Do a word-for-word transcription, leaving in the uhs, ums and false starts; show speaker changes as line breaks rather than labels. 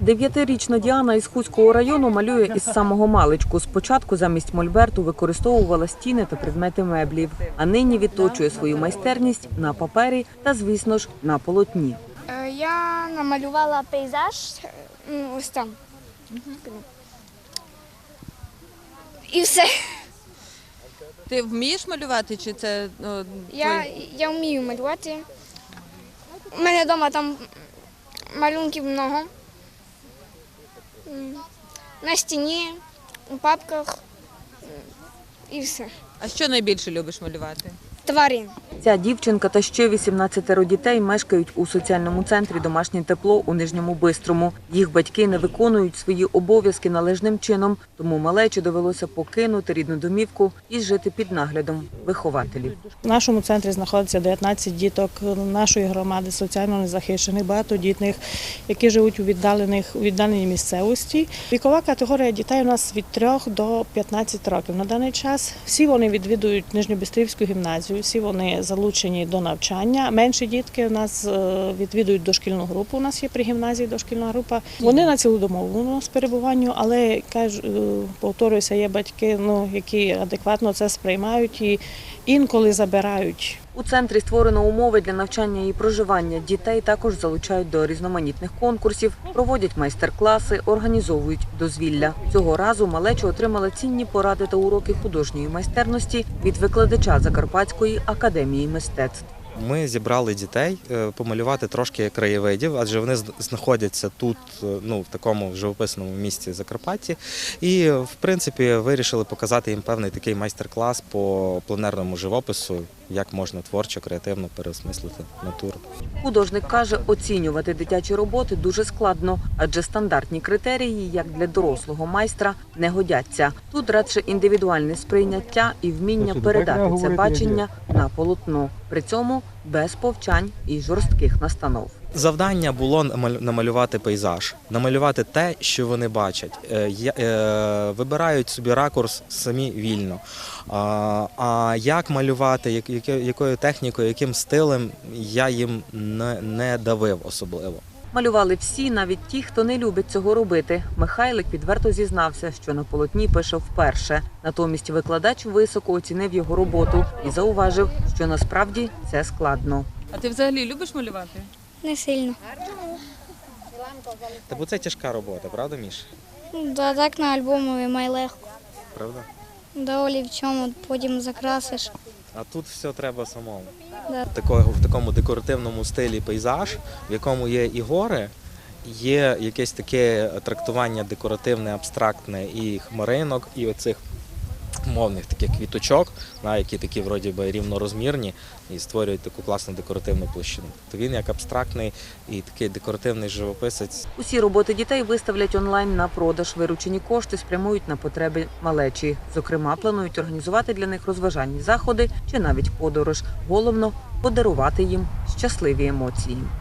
Дев'ятирічна Діана із Хуського району малює із самого маличку. Спочатку замість мольберту використовувала стіни та предмети меблів, а нині відточує свою майстерність на папері та, звісно ж, на полотні.
Я намалювала пейзаж ось там. І все.
Ти вмієш малювати, чи це о,
Я, я вмію малювати. У мене вдома там малюнків много. На стіні, у папках і все.
А що найбільше любиш малювати?
Тварин.
Ця дівчинка та ще вісімнадцятеро дітей мешкають у соціальному центрі «Домашнє тепло» у Нижньому Бистрому. Їх батьки не виконують свої обов'язки належним чином, тому малечі довелося покинути рідну домівку і жити під наглядом вихователів.
В нашому центрі знаходиться дев'ятнадцять діток нашої громади, соціально незахищених, багатодітних, які живуть у віддалених, у віддаленій місцевості. Вікова категорія дітей у нас від трьох до п'ятнадцяти років. На даний час всі вони відвідують Нижньобистрівську гімназію, всі вони залучені до навчання. Менші дітки у нас відвідують дошкільну групу, у нас є при гімназії дошкільна група. Вони на цілодомовому перебуванню, але, кажу, повторююся, є батьки, ну, які адекватно це сприймають і інколи забирають.
У центрі створено умови для навчання і проживання. Дітей також залучають до різноманітних конкурсів, проводять майстер-класи, організовують дозвілля. Цього разу малечі отримали цінні поради та уроки художньої майстерності від викладача Закарпатської академії мистецтв.
Ми зібрали дітей помалювати трошки краєвидів, адже вони знаходяться тут, ну, в такому живописному місті Закарпатті. І, в принципі, вирішили показати їм певний такий майстер-клас по пленерному живопису, як можна творчо, креативно переосмислити натуру.
Художник каже, оцінювати дитячі роботи дуже складно, адже стандартні критерії, як для дорослого майстра, не годяться. Тут радше індивідуальне сприйняття і вміння передати це бачення на полотно. При цьому без повчань і жорстких настанов.
Завдання було намалювати пейзаж, намалювати те, що вони бачать. Вибирають собі ракурс самі вільно. А як малювати, якою технікою, яким стилем, я їм не давив особливо.
Малювали всі, навіть ті, хто не любить цього робити. Михайлик відверто зізнався, що на полотні пише вперше. Натомість викладач високо оцінив його роботу і зауважив, що насправді це складно.
А ти взагалі любиш малювати?
Не сильно.
Та бо це тяжка робота, правда, Міш?
Да, так на альбомі має легко.
Правда?
Да, олівцем потім закрасиш.
А тут все треба самому.
Да.
Такого, в такому декоративному стилі пейзаж, в якому є і гори, є якесь таке трактування декоративне, абстрактне і хмаринок, і оцих мовних таких квіточок, які такі вроді би рівнорозмірні і створюють таку класну декоративну площину. То він як абстрактний і такий декоративний живописець.
Усі роботи дітей виставлять онлайн на продаж. Виручені кошти спрямують на потреби малечі. Зокрема, планують організувати для них розважальні заходи чи навіть подорож. Головно – подарувати їм щасливі емоції.